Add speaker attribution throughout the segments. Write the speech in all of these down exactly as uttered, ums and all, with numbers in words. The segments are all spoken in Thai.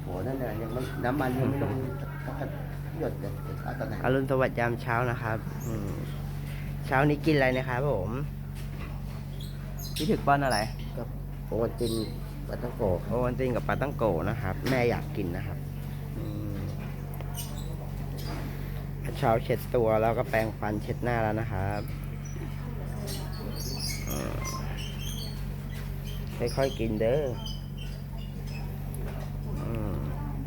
Speaker 1: โหนั่นแหละยังไม่น้ำมันยังไม่ลงสักหยดเลยเอาตอนไหน
Speaker 2: อรุณสวัสดิ์ยามเช้านะครับอืมเช้านี้กินอะไรนะครับผมพี่ถึกป้อนอะไร
Speaker 1: กับโอวัลตินปาตังโกะ
Speaker 2: โอวันตินกับปลาตั้งโกนะครับ แม่อยากกินนะครับอืมเช้าเช็ดตัวแล้วก็แปรงฟันเช็ดหน้าแล้วนะครับอืมค่อยๆกินเด้ออืม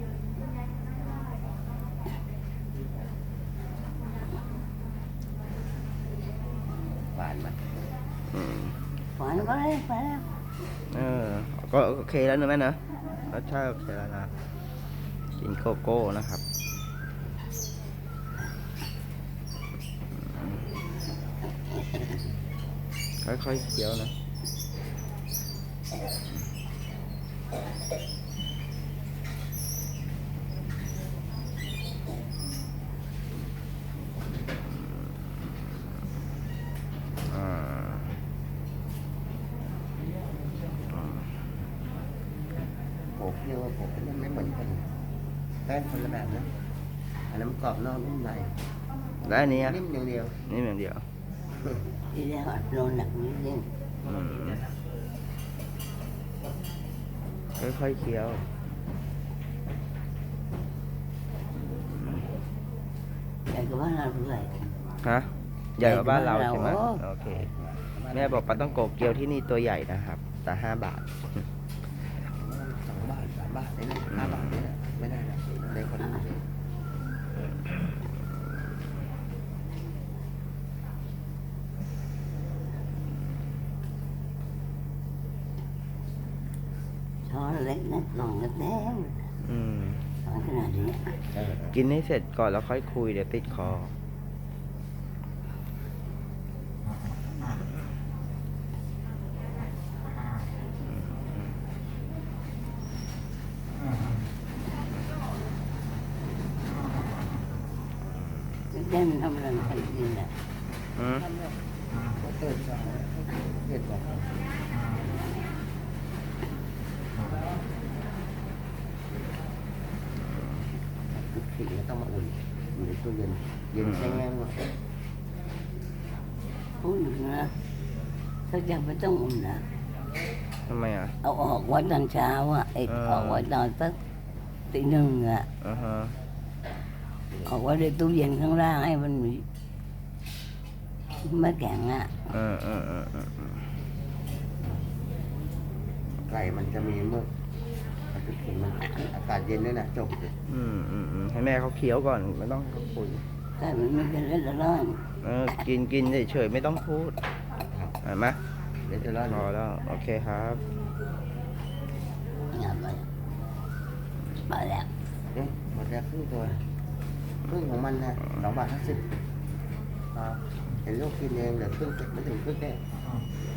Speaker 1: หวานมั้ย
Speaker 2: อืม
Speaker 3: หวานก็ได้ไปแล้ว
Speaker 2: เออก็โอเคแล้วนะแม่นะรสชาติโอเคแล้วนะกินโกโก้นะครับค่อยๆเคี้ยวนะอ่า
Speaker 1: โขกเรียกว่าโขกมันไม่เหมือนกันแป้งคนละแบบนะอันนั้นกรอบนอกนุ่มใน
Speaker 2: แล้วอันนี้อ่ะ
Speaker 1: นิ่มอย่างเดียว
Speaker 2: นี่อย่างเดียว
Speaker 3: ทีแรกอัดโดนหนักนิดนึง
Speaker 2: อืมค่อยๆเคี้ยว
Speaker 3: แต่ก็ว่าเราด้วย
Speaker 2: ฮะใหญ่กว่าบ้านเราใช่ไหม
Speaker 3: โอ้
Speaker 2: โอเคแม่บอกปลาต้องโกเกียวที่นี่ตัวใหญ่นะครับแต่ห้าบาท
Speaker 1: สองบาทสามบาทนี่นะห้าบาทนี่นะไม่ได้นะในคนนี้
Speaker 3: ช้อนเล็กนะกล่องเล็ก
Speaker 2: อืม
Speaker 3: ๆช้อนขนาดนี้
Speaker 1: เออ
Speaker 2: กินให้เสร็จก่อนแล้วค่อยคุยเดี๋ยวติดคอ
Speaker 3: เล่นทำอะไรกันกินอ่ะ
Speaker 2: อืม
Speaker 1: เขาเติมสองเผ็ดบอกทุกสิ่งต้องมาอุ่นอยู่ในตู้เย็นเย็นแช่แห้งหมด
Speaker 3: พูดถึงนะถ้าจะไม่ต้องอุ่นนะ
Speaker 2: ทำไมอ่ะ
Speaker 3: เอาออกไว้ตอนเช้าอ่ะไอ้
Speaker 2: เออ
Speaker 3: ออกไว้ตอนสักตีหนึ่งอ่ะ
Speaker 2: อ่าฮะ
Speaker 3: ออกไว้ในตู้เย็นข้างล่างให้มันมีไม่แข็งอ่ะ
Speaker 2: เออเออเออเออเออ
Speaker 1: ไก่มันจะมีเมื่อมันจะถึงมันอากาศเย็นด้วยนะจบเลย
Speaker 2: อืมอืมอืมให้แม่เขาเคี้ยวก่อนไม่ต้องเขาคุย
Speaker 3: แต่มันไม่เป็นเล่นละร้อน
Speaker 2: เออกินกินเฉยๆไม่ต้องพูดเห็นไหม
Speaker 1: เดี๋ยวจะรอด
Speaker 2: พอแล้วโอเคครับ
Speaker 3: งานไปไปแล้ว
Speaker 1: เอ๊ะหมดแล้วครึ่งตัวครึ่งของมันนะสองบาทห้าสิบเห็นลูกกินเองเหลือครึ่งไม่ถึงครึ่งแน่